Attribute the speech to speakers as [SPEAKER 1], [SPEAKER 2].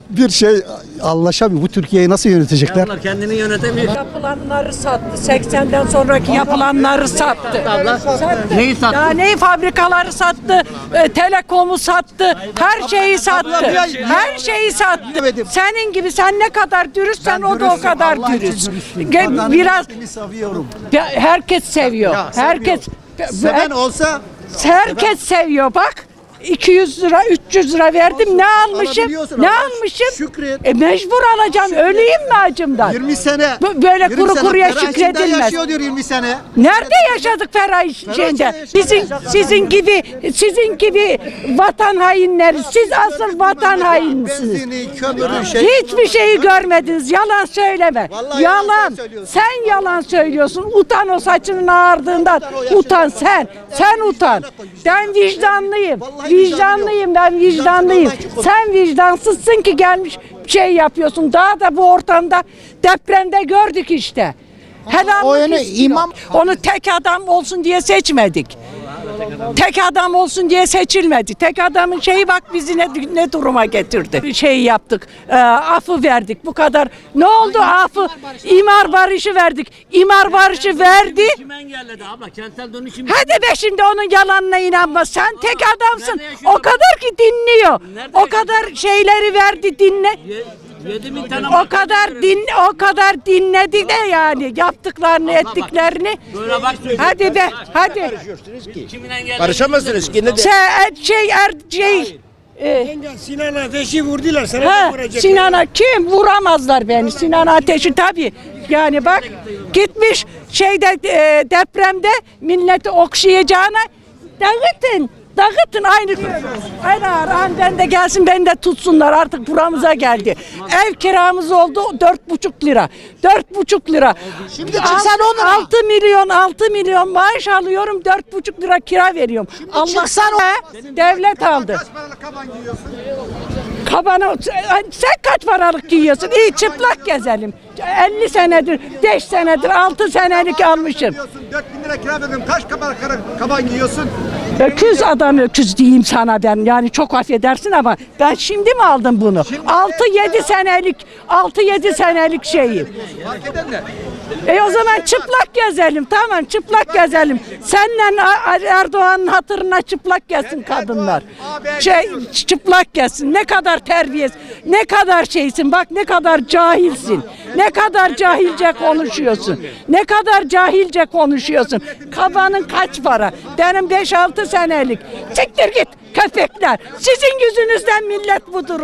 [SPEAKER 1] bir şey anlaşamıyor. Bu Türkiye'yi nasıl yönetecekler?
[SPEAKER 2] Onlar kendini yönetemiyor.
[SPEAKER 3] Yapılanları sattı. 80'den sonraki yapılanları sattı. Sattı.
[SPEAKER 2] Neyi sattı?
[SPEAKER 3] Ya neyi fabrikaları sattı, telekomu sattı, her şeyi sattı. Her şeyi sattı. Senin gibi sen ne kadar dürüstsen o da o kadar dürüst. Biraz herkes seviyor. Herkes
[SPEAKER 1] Seven olsa
[SPEAKER 3] herkes seviyor bak. 200 lira, 300 lira verdim. Ne almışım?
[SPEAKER 1] Alabiliyorsun
[SPEAKER 3] Ne
[SPEAKER 1] ama
[SPEAKER 3] almışım?
[SPEAKER 1] şükret.
[SPEAKER 3] Mecbur alacağım. Öleyim mi acımdan?
[SPEAKER 1] 20 sene.
[SPEAKER 3] Böyle
[SPEAKER 1] 20
[SPEAKER 3] kuru
[SPEAKER 1] sene
[SPEAKER 3] kuruya
[SPEAKER 1] ferah içinde
[SPEAKER 3] şükredilmez.
[SPEAKER 1] yaşıyor diyor 20 sene.
[SPEAKER 3] Nerede yaşadık ferah şeyde? Sizin gibi vatan hainleri. Siz asıl vatan hainisiniz.
[SPEAKER 1] Benzini, kömürü,
[SPEAKER 3] Hiçbir şeyi görmediniz. Yalan söyleme.
[SPEAKER 1] Vallahi
[SPEAKER 3] Yalan.
[SPEAKER 1] yalan söylüyorsun.
[SPEAKER 3] Sen yalan söylüyorsun. Utan o saçının ağardığından. Utan sen. Sen utan. Ben vicdanlıyım. Vicdanlıyım ben vicdanlıyım. Sen vicdansızsın ki gelmiş şey yapıyorsun. Daha da bu ortamda depremde gördük işte. Helallik istiyor. Onu tek adam olsun diye seçmedik. Tek adam olsun diye seçilmedi. Tek adamın şeyi bak bizi ne duruma getirdi. Şey yaptık, affı verdik bu kadar. Ne oldu affı? İmar barışı verdik. İmar barışı verdi.
[SPEAKER 2] Kim engelledi abla? Kentsel dönüşüm.
[SPEAKER 3] Hadi be şimdi onun yalanına inanma. Sen tek adamsın. O kadar ki dinliyor. O kadar şeyleri verdi dinle.
[SPEAKER 2] 7.000 tane
[SPEAKER 3] O kadar dinledi de yani yaptıklarını ettiklerini.
[SPEAKER 2] böyle bak söylüyor.
[SPEAKER 3] Hadi be hadi.
[SPEAKER 2] Kimin engelledi?
[SPEAKER 4] Karışamazsınız ki ne de.
[SPEAKER 5] Sinan Ateş'i vurdular. Sana
[SPEAKER 3] Ha,
[SPEAKER 5] da vuracaklar.
[SPEAKER 3] Sinan'a kim vuramazlar beni. Sinan Ateş'i tabii. Yani bak gitmiş depremde milleti okşayacağına dağıtın. Dağıtın aynı ben de gelsin beni de tutsunlar artık buramıza geldi. Ev kiramız oldu 4,5 lira. 4,5 lira. Şimdi çıksan 6 milyon maaş alıyorum 4,5 lira kira veriyorum. Allah devlet aldı.
[SPEAKER 1] Kaç paralık kaban giyiyorsun?
[SPEAKER 3] Kabanı sen kaç paralık giyiyorsun? İyi çıplak gezelim. 50 senedir, 5 senedir, 6 senelik almışım.
[SPEAKER 1] 4.000 lira kira verdim. Kaç kaban giyiyorsun?
[SPEAKER 3] Öküz adam öküz diyeyim sana ben. Yani çok affedersin ama ben şimdi mi aldım bunu? 6-7 senelik şeyim.
[SPEAKER 1] Fark eden ne?
[SPEAKER 3] O zaman çıplak gezelim. Tamam çıplak gezelim. Seninle Erdoğan'ın hatırına çıplak gelsin kadınlar. Çıplak gelsin. Ne kadar terbiyesiz. Ne kadar şeysin. Bak ne kadar cahilsin. Ne kadar cahilce konuşuyorsun. Ne kadar cahilce konuşuyorsun. Kabanın kaç para? Benim 5-6 senelik. Siktir git köpekler. Sizin yüzünüzden millet bu durum.